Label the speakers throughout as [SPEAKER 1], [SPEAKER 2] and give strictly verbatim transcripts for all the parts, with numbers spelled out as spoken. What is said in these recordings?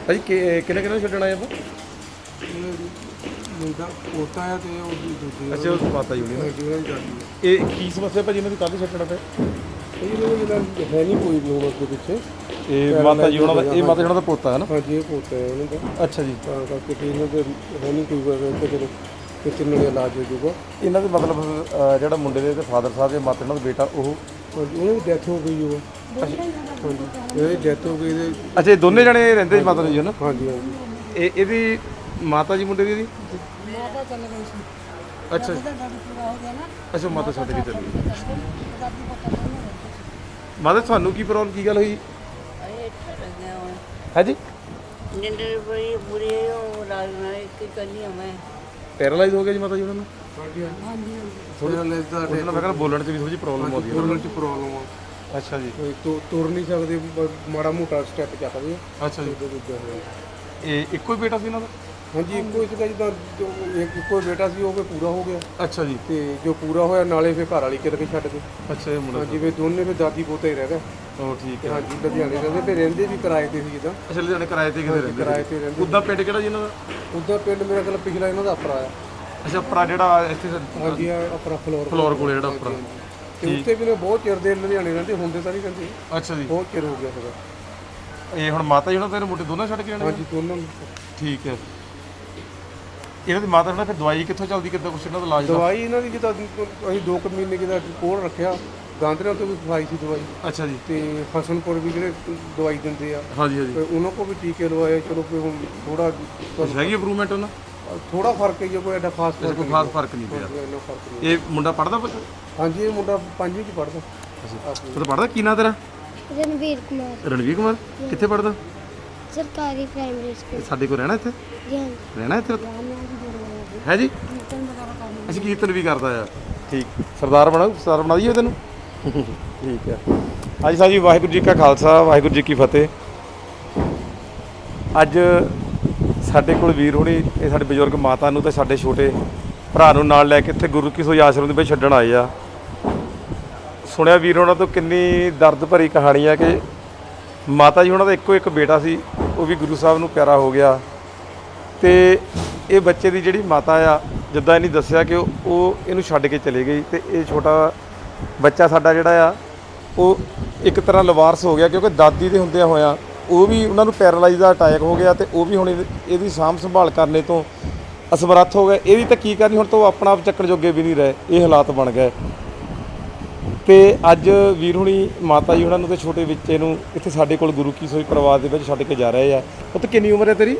[SPEAKER 1] ਭਾਜੀ ਕਿ ਕਿੰਨੇ ਕਿੰਨੇ ਛੱਡਣਾ ਹੈ ਆਪਾਂ?
[SPEAKER 2] ਮੁੰਡਾ ਪੋਤਾ ਆ ਤੇ ਉਹ ਦੂਜੀ
[SPEAKER 1] ਅੱਛਾ ਉਹ ਮਾਤਾ ਜੀ ਹੋਣੀ ਨਾ।
[SPEAKER 2] ਜਿਹੜਾ ਵੀ ਜਾਂਦੀ
[SPEAKER 1] ਇਹ ਕੀ ਸਮੱਸਿਆ ਭਾਜੀ ਇਹਨਾਂ ਦੀ ਕਾਹਦੀ ਛੱਡਣਾ ਪਿਆ?
[SPEAKER 2] ਹੈ ਇਹ ਲੋਕ ਜਿਹੜਾ ਹੈ ਨਹੀਂ ਕੋਈ ਲੋਕ ਅੱਗੇ ਪਿੱਛੇ।
[SPEAKER 1] ਇਹ ਮਾਤਾ ਜੀ ਉਹਨਾਂ ਦਾ ਇਹ ਮਾਤਾ ਜੀ ਉਹਨਾਂ ਦਾ ਪੋਤਾ ਹੈ ਨਾ?
[SPEAKER 2] ਹਾਂਜੀ ਇਹ ਪੋਤਾ ਹੈ ਉਹਨਾਂ ਦਾ।
[SPEAKER 1] ਅੱਛਾ ਜੀ।
[SPEAKER 2] ਤਾਂ ਕਰਕੇ ਤੇ ਇਹਨਾਂ ਦੇ ਹੈ ਨਹੀਂ ਕੋਈ ਵੈਸੇ ਚਲੋ ਕਿਤੇ ਨਾਲ ਇਲਾਜ ਹੋ ਜਾਊਗਾ।
[SPEAKER 1] ਇਹਨਾਂ ਦੇ ਮਤਲਬ ਅਹ, ਜਿਹੜਾ ਮੁੰਡੇ ਦੇ ਤੇ ਫਾਦਰ ਸਾਹਿਬ ਦੇ ਮਾਤਾ ਇਹਨਾਂ ਦਾ ਬੇਟਾ ਉਹ
[SPEAKER 2] ਹਾਂਜੀ ਉਹਨਾਂ ਦੀ ਡੈਥ ਹੋ ਗਈ ਉਹ। ਹਾਂਜੀ ਇਹਦੀ ਡੈਥ ਹੋ ਗਈ ਇਹਦੇ।
[SPEAKER 1] ਅੱਛਾ ਇਹ ਦੋਨੇ ਜਣੇ ਰਹਿੰਦੇ ਜੀ ਮਾਤਾ ਜੀ ਨਾ?
[SPEAKER 2] ਹਾਂਜੀ ਹਾਂਜੀ
[SPEAKER 1] ਇਹ ਇਹਦੀ ਮਾਤਾ ਜੀ ਮੁੰਡੇ ਦੀ ਇਹਦੀ?
[SPEAKER 3] ਮਾਤਾ ਚੱਲ ਗਈ ਸੀ।
[SPEAKER 1] ਅੱਛਾ
[SPEAKER 3] ਉਹਦਾ ਡਾਕਟਰ ਪੂਰਾ ਹੋ ਗਿਆ ਨਾ।
[SPEAKER 1] ਅੱਛਾ ਮਾਤਾ ਛੱਡ ਕੇ ਚਲੀ ਗਈ।
[SPEAKER 3] ਦਾਦੀ ਪਤਾ ਨਹੀਂ।
[SPEAKER 1] ਮਾਤਾ ਤੁਹਾਨੂੰ ਕੀ ਪ੍ਰੋਬਲਮ ਕੀ ਗੱਲ ਹੋਈ
[SPEAKER 3] ਅਰੇ ਗਿਆ ਹੁਣ
[SPEAKER 1] ਹੈ ਜੀ?
[SPEAKER 3] ਨਿੰਦਰ ਬੜੀ ਬੁਰੀ ਉਹ ਰਾਜ ਨਾਲ ਇੱਕ ਕਰਨੀ ਮੈਂ।
[SPEAKER 1] ਪੈਰਾਲਾਈਜ਼ ਹੋ ਗਿਆ ਜੀ ਮਾਤਾ ਜੀ ਉਹਨਾਂ ਨੂੰ?
[SPEAKER 2] ਹਾਂਜੀ ਹਾਂਜੀ
[SPEAKER 3] ਹਾਂਜੀ
[SPEAKER 2] ਥੋੜਾ ਲੈਸ ਦਾ
[SPEAKER 1] ਉਹਨਾਂ ਨੂੰ ਮੈਂ ਕਹਿੰਦਾ ਬੋਲਣ 'ਚ ਵੀ ਥੋੜੀ ਜਿਹੀ ਪ੍ਰੋਬਲਮ ਆਉਂਦੀ ਹੈ।
[SPEAKER 2] ਬੋਲਣ 'ਚ ਪ੍ਰੋਬਲਮ ਆ।
[SPEAKER 1] ਅੱਛਾ ਜੀ।
[SPEAKER 2] ਕੋਈ ਤੁ- ਤੁਰ ਨਹੀਂ ਸਕਦੇ ਬ- ਮਾੜਾ ਮੋਟਾ ਸਟੈਪ ਚੱਕਦੇ ਆ।
[SPEAKER 1] ਅੱਛਾ ਜੀ।
[SPEAKER 2] ਉਹਦੇ ਦੂਜਾ ਹੋਇਆ।
[SPEAKER 1] ਇਹ ਇੱਕੋ ਹੀ ਬੇਟਾ ਸੀ ਇਹਨਾਂ ਦਾ?
[SPEAKER 2] ਹਾਂਜੀ ਇੱਕੋ ਹੀ ਸੀਗਾ ਜਿੱਦਾਂ ਜੋ ਇੱਕ ਇੱਕੋ ਹੀ ਬੇਟਾ ਸੀ ਉਹ ਵੀ ਪੂਰਾ ਹੋ ਗਿਆ
[SPEAKER 1] ਅੱਛਾ ਜੀ।
[SPEAKER 2] ਤੇ ਜੋ ਪੂਰਾ ਹੋਇਆ ਨਾਲੇ ਫਿਰ ਘਰ ਵਾਲੀ ਕਿਤੇ ਛੱਡ ਗਏ।
[SPEAKER 1] ਅੱਛਾ ਇਹ ਮੁੰਡਾ
[SPEAKER 2] ਹਾਂਜੀ ਵੀ ਦੋਨੇ ਵੀ ਦਾਦੀ ਪੋਤਾ ਹੀ ਰਹਿ ਗਏ।
[SPEAKER 1] ਉਹ ਠੀਕ
[SPEAKER 2] ਤੇ
[SPEAKER 1] ਹੈ।
[SPEAKER 2] ਹਾਂਜੀ ਲੁਧਿਆਣੇ ਰਹਿੰਦੇ ਤੇ ਰਹਿੰਦੇ ਵੀ ਕਿਰਾਏ ਤੇ ਸੀ ਜਿੱਦਾਂ।
[SPEAKER 1] ਅੱਛਾ ਲੁਧਿਆਣੇ ਕਿਰਾਏ ਤੇ ਕਿਤੇ ਰਹਿੰਦੇ?
[SPEAKER 2] ਕਿਰਾਏ ਤੇ ਰਹਿੰਦੇ।
[SPEAKER 1] ਉਦਾਂ ਪਿੰਡ ਕਿਹੜਾ ਜੀ ਇਹਨਾਂ ਦਾ?
[SPEAKER 2] ਉੱਦਾਂ ਪਿੰਡ ਮੇਰਾ ਕੋਲ ਪਿਛਲਾ ਇਹਨਾਂ ਦਾ ਆਪਰਾ ਆ।
[SPEAKER 1] ਅੱਛਾ ਪਰਾ ਜਿਹੜਾ ਇੱਥੇ
[SPEAKER 2] ਹਾਂਜੀ ਆ ਆਪਰਾ ਫਲੋਰ
[SPEAKER 1] ਫਲੋਰ ਕੋਲ ਜਿਹੜਾ ਉੱਪਰ।
[SPEAKER 2] ਤੇ ਉੱਥੇ ਵੀ ਨੇ ਬਹੁਤ ਚਿਰ ਦੇ ਲੁਧਿਆਣੇ ਰਹਿੰਦੇ ਹੁੰਦੇ ਤਾਂ ਨਹੀਂ ਰਹਿੰਦੇ।
[SPEAKER 1] ਅੱਛਾ ਜੀ।
[SPEAKER 2] ਬਹੁਤ ਚਿਰ ਹੋ ਗਿਆ ਸੀਗਾ।
[SPEAKER 1] ਇਹ ਹੁਣ ਮਾਤਾ ਜੀ ਉਹਨਾਂ ਤੇਰੇ ਮੁੰਡੇ ਦੋਨਾਂ ਛੱਡ ਕੇ ਜਾਣੇ?
[SPEAKER 2] ਹਾਂਜੀ ਦੋਨੋਂ ਨੂੰ।
[SPEAKER 1] ਠੀਕ ਹੈ। ਇਹਨਾਂ ਦੀ ਮਾਤਾ ਨਾਲ ਫਿਰ ਦਵਾਈ ਕਿੱਥੋਂ ਚੱਲਦੀ ਕਿੱਦਾਂ ਕੁਛ ਇਹਨਾਂ ਦਾ ਇਲਾਜ ਦਾ?
[SPEAKER 2] ਦਵਾਈ ਇਹਨਾਂ ਦੀ ਜਿੱਦਾਂ ਅਸੀਂ ਦੋ ਕੁ ਮਹੀਨੇ ਕਿਦਾ ਕੋਲ ਰੱਖਿਆ। ਗਾਂਧਰੀਆਂ ਤੋਂ ਵੀ ਖਵਾਈ ਸੀ ਦਵਾਈ
[SPEAKER 1] ਅੱਛਾ ਜੀ।
[SPEAKER 2] ਤੇ ਹਸਨਪੁਰ ਵੀ ਜਿਹੜੇ ਦਵਾਈ ਦਿੰਦੇ ਆ
[SPEAKER 1] ਹਾਂਜੀ ਹਾਂਜੀ।
[SPEAKER 2] ਤੇ ਉਹਨਾਂ ਕੋ ਵੀ ਟੀਕੇ ਲਵਾਏ। ਚਲੋ ਕੋਈ ਹੁਣ ਥੋੜਾ
[SPEAKER 1] ਕੁਛ ਹੈਗੀ ਇੰਪਰੂਵਮੈਂਟ ਉਹਨਾਂ?
[SPEAKER 2] ਥੋੜਾ ਫਰਕ ਹੈ ਜੀ, ਕੋਈ ਐਡਾ ਖਾਸ ਫਰਕ
[SPEAKER 1] ਕੋਈ ਖਾਸ ਫਰਕ ਨਹੀਂ ਪਿਆ।
[SPEAKER 2] ਨਹੀਂ ਇੰਨਾ ਫਰਕ ਨਹੀਂ।
[SPEAKER 1] ਇਹ ਮੁੰਡਾ ਪੜਦਾ ਪੁੱਤ?
[SPEAKER 2] ਹਾਂਜੀ ਇਹ ਮੁੰਡਾ ਪੰਜਵੀਂ ਚ ਪੜਦਾ।
[SPEAKER 1] ਉਹ ਤਾਂ ਪੜਦਾ? ਕੀ ਨਾਂ ਤੇਰਾ?
[SPEAKER 4] ਰਣਵੀਰ ਕੁਮਾਰ
[SPEAKER 1] ਰਣਵੀਰ ਕੁਮਾਰ। ਕਿੱਥੇ ਪੜਦਾ?
[SPEAKER 4] ਸਰਕਾਰੀ ਪ੍ਰਾਇਮਰੀ ਸਕੂਲ।
[SPEAKER 1] ਸਾਡੇ ਕੋਲ ਰਹਿਣਾ ਇੱਥੇ?
[SPEAKER 4] ਜੀ
[SPEAKER 1] ਰਹਿਣਾ ਇੱਥੇ ਹੈ ਜੀ? ਅਸੀਂ ਕੀਰਤਨ ਵੀ ਕਰਦਾ ਆ। ਠੀਕ ਸਰਦਾਰ ਬਣਾ ਸਰਦਾਰ ਬਣਾ ਦਈਏ ਤੈਨੂੰ? ਠੀਕ ਹੈ। ਹਾਂਜੀ ਸਾਹਿਬ ਜੀ ਵਾਹਿਗੁਰੂ ਜੀ ਕਾ ਖਾਲਸਾ ਵਾਹਿਗੁਰੂ ਜੀ ਕੀ ਫਤਿਹ। ਅੱਜ ਸਾਡੇ ਕੋਲ ਵੀਰ ਹੋਣੀ ਇਹ ਸਾਡੇ ਬਜ਼ੁਰਗ ਮਾਤਾ ਨੂੰ ਤੇ ਸਾਡੇ ਛੋਟੇ ਭਰਾ ਨੂੰ ਨਾਲ ਲੈ ਕੇ ਇੱਥੇ ਗੁਰੂ ਕੀ ਸੋਈ ਆਸ਼ਰਮ ਦੇ ਵਿੱਚ ਛੱਡਣ ਆਏ ਆ। ਸੁਣਿਆ ਵੀਰ ਉਹਨਾਂ ਤੋਂ ਕਿੰਨੀ ਦਰਦ ਭਰੀ ਕਹਾਣੀ ਆ ਕਿ ਮਾਤਾ ਜੀ ਉਹਨਾਂ ਦਾ ਇੱਕੋ ਇੱਕ ਬੇਟਾ ਸੀ, ਉਹ ਵੀ ਗੁਰੂ ਸਾਹਿਬ ਨੂੰ ਪਿਆਰਾ ਹੋ ਗਿਆ। ਤੇ ਇਹ ਬੱਚੇ ਦੀ ਜਿਹੜੀ ਮਾਤਾ ਆ ਜਿੱਦਾਂ ਇਹਨੇ ਦੱਸਿਆ ਕਿ ਉਹ ਉਹ ਇਹਨੂੰ ਛੱਡ ਕੇ ਚਲੇ ਗਈ ਤੇ ਇਹ ਛੋਟਾ ਬੱਚਾ ਸਾਡਾ ਜਿਹੜਾ ਆ ਉਹ ਇੱਕ ਤਰ੍ਹਾਂ ਲਵਾਰਸ ਹੋ ਗਿਆ ਕਿਉਂਕਿ ਦਾਦੀ ਦੇ ਹੁੰਦਿਆਂ ਹੋਇਆਂ ਉਹ ਵੀ ਉਹਨਾਂ ਨੂੰ ਪੈਰਾਲਾਈਜ਼ ਦਾ ਅਟੈਕ ਹੋ ਗਿਆ ਤੇ ਉਹ ਵੀ ਹੁਣ ਇਹਦੀ ਸਾਂਭ ਸੰਭਾਲ ਕਰਨੇ ਤੋਂ ਅਸਮਰੱਥ ਹੋ ਗਏ। ਇਹਦੀ ਤਾਂ ਕੀ ਕਰਨੀ ਹੁਣ ਤਾਂ ਉਹ ਆਪਣਾ ਆਪ ਚੱਕਣ ਜੋਗੇ ਵੀ ਨਹੀਂ ਰਹੇ। ਇਹ ਹਾਲਾਤ ਬਣ ਗਏ ਤੇ ਅੱਜ ਵੀਰ ਹੁਣੀ ਮਾਤਾ ਜੀ ਉਹਨਾਂ ਨੂੰ ਤੇ ਛੋਟੇ ਬੱਚੇ ਨੂੰ ਇੱਥੇ ਸਾਡੇ ਕੋਲ ਗੁਰੂ ਕੀ ਸੋਈ ਪਰਿਵਾਰ ਦੇ ਵਿੱਚ ਛੱਡ ਕੇ ਜਾ ਰਹੇ ਆ। ਉਹ ਤਾਂ ਕਿੰਨੀ ਉਮਰ ਹੈ ਤੇਰੀ?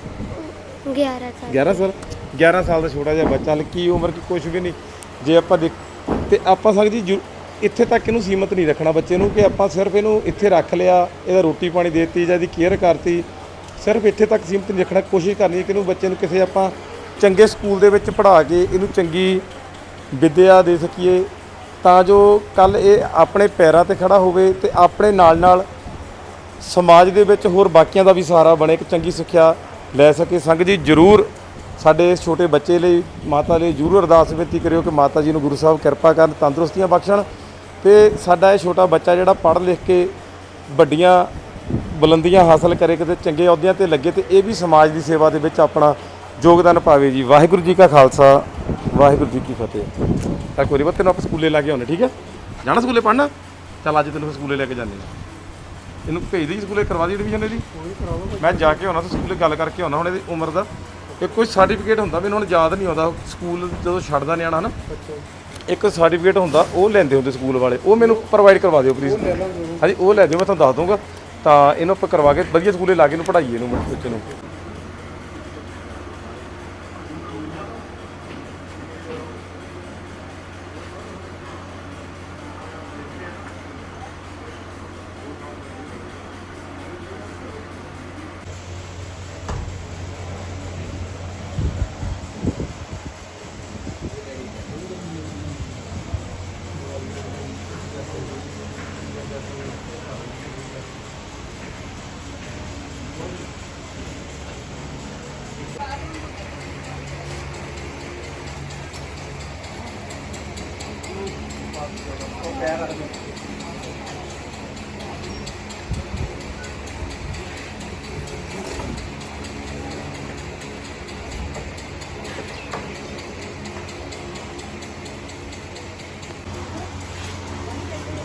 [SPEAKER 4] ਗਿਆਰਾਂ ਸਾਲ।
[SPEAKER 1] ਗਿਆਰਾਂ ਸਾਲ। ਗਿਆਰਾਂ ਸਾਲ ਦਾ ਛੋਟਾ ਜਿਹਾ ਬੱਚਾ, ਕੀ ਉਮਰ ਕੀ ਕੁਛ ਵੀ ਨਹੀਂ। ਜੇ ਆਪਾਂ ਦੇਖ ਤੇ ਆਪਾਂ ਸਕਦੇ ਜੀ ਇੱਥੇ ਤੱਕ ਇਹਨੂੰ ਸੀਮਤ ਨਹੀਂ ਰੱਖਣਾ ਬੱਚੇ ਨੂੰ ਕਿ ਆਪਾਂ ਸਿਰਫ ਇਹਨੂੰ ਇੱਥੇ ਰੱਖ ਲਿਆ, ਇਹਦਾ ਰੋਟੀ ਪਾਣੀ ਦੇ ਦਿੱਤੀ ਜਾਂ ਇਹਦੀ ਕੇਅਰ ਕਰਤੀ, ਸਿਰਫ ਇੱਥੇ ਤੱਕ ਸੀਮਤ ਨਹੀਂ ਰੱਖਣਾ। ਕੋਸ਼ਿਸ਼ ਕਰਨੀ ਹੈ ਕਿ ਇਹਨੂੰ ਬੱਚੇ ਨੂੰ ਕਿਸੇ ਆਪਾਂ ਚੰਗੇ ਸਕੂਲ ਦੇ ਵਿੱਚ ਪੜ੍ਹਾ ਕੇ ਇਹਨੂੰ ਚੰਗੀ ਵਿੱਦਿਆ ਦੇ ਸਕੀਏ ਤਾਂ ਜੋ ਕੱਲ੍ਹ ਇਹ ਆਪਣੇ ਪੈਰਾਂ 'ਤੇ ਖੜਾ ਹੋਵੇ ਤੇ ਆਪਣੇ ਨਾਲ ਨਾਲ ਸਮਾਜ ਦੇ ਵਿੱਚ ਹੋਰ ਬਾਕੀਆਂ ਦਾ ਵੀ ਸਹਾਰਾ ਬਣੇ, ਇੱਕ ਚੰਗੀ ਸਿੱਖਿਆ ਲੈ ਸਕੇ। ਸੰਗਤ ਜੀ ਜ਼ਰੂਰ ਸਾਡੇ ਇਸ ਛੋਟੇ ਬੱਚੇ ਲਈ ਮਾਤਾ ਲਈ ਜ਼ਰੂਰ ਅਰਦਾਸ ਬੇਨਤੀ ਕਰਿਓ ਕਿ ਮਾਤਾ ਜੀ ਨੂੰ ਗੁਰੂ ਸਾਹਿਬ ਕਿਰਪਾ ਕਰਨ, ਤੰਦਰੁਸਤੀਆਂ ਬਖਸ਼ਣ ਤੇ ਸਾਡਾ ਇਹ ਛੋਟਾ ਬੱਚਾ ਜਿਹੜਾ ਪੜ੍ਹ ਲਿਖ ਕੇ ਵੱਡੀਆਂ ਬੁਲੰਦੀਆਂ ਹਾਸਲ ਕਰੇ, ਕਿਤੇ ਚੰਗੇ ਅਹੁਦਿਆਂ 'ਤੇ ਲੱਗੇ ਤੇ ਇਹ ਵੀ ਸਮਾਜ ਦੀ ਸੇਵਾ ਦੇ ਵਿੱਚ ਆਪਣਾ ਯੋਗਦਾਨ ਪਾਵੇ ਜੀ। ਵਾਹਿਗੁਰੂ ਜੀ ਕਾ ਖਾਲਸਾ ਵਾਹਿਗੁਰੂ ਜੀ ਕੀ ਫਤਿਹ। ਤਾਂ ਕੋਈ ਨਹੀਂ ਤੈਨੂੰ ਆਪਾਂ ਸਕੂਲੇ ਲੈ ਕੇ ਆਉਂਦੇ, ਠੀਕ ਹੈ? ਜਾਣਾ ਸਕੂਲੇ ਪੜ੍ਹਨਾ? ਚੱਲ ਅੱਜ ਤੈਨੂੰ ਸਕੂਲੇ ਲੈ ਕੇ ਜਾਂਦੇ ਹਾਂ। ਇਹਨੂੰ ਭੇਜ ਦੀ ਸਕੂਲੇ ਕਰਵਾ ਦੀ ਐਡਮਿਸ਼ਨ ਇਹਦੀ। ਮੈਂ ਜਾ ਕੇ ਆਉਣਾ ਤੇ ਸਕੂਲੇ ਗੱਲ ਕਰਕੇ ਆਉਣਾ ਹੁਣ ਇਹਦੀ ਉਮਰ ਦਾ। ਇਹ ਕੋਈ ਸਰਟੀਫਿਕੇਟ ਹੁੰਦਾ ਮੈਨੂੰ ਹੁਣ ਯਾਦ ਨਹੀਂ ਆਉਂਦਾ, ਸਕੂਲ ਜਦੋਂ ਛੱਡਦਾ ਨਿਆਣਾ ਨਾ ਇੱਕ ਸਰਟੀਫਿਕੇਟ ਹੁੰਦਾ ਉਹ ਲੈਂਦੇ ਹੁੰਦੇ ਸਕੂਲ ਵਾਲੇ, ਉਹ ਮੈਨੂੰ ਪ੍ਰੋਵਾਈਡ ਕਰਵਾ ਦਿਓ ਪਲੀਜ਼। ਹਾਂਜੀ ਉਹ ਲੈ ਦਿਓ, ਮੈਂ ਤੁਹਾਨੂੰ ਦੱਸ ਦੂੰਗਾ। ਤਾਂ ਇਹਨੂੰ ਆਪਾਂ ਕਰਵਾ ਕੇ ਵਧੀਆ ਸਕੂਲੇ ਲਾ ਕੇ ਇਹਨੂੰ ਪੜ੍ਹਾਈਏ ਇਹਨੂੰ ਬੱਚੇ ਨੂੰ।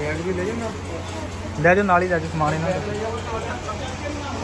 [SPEAKER 2] ਬੈਗ ਵੀ ਲੈ ਜਾਣਾ
[SPEAKER 5] ਲੈ ਜਾਓ ਨਾਲ ਹੀ ਲੈ ਜਾਓ ਸਮਾਨ ਇਹਨਾਂ ਦਾ।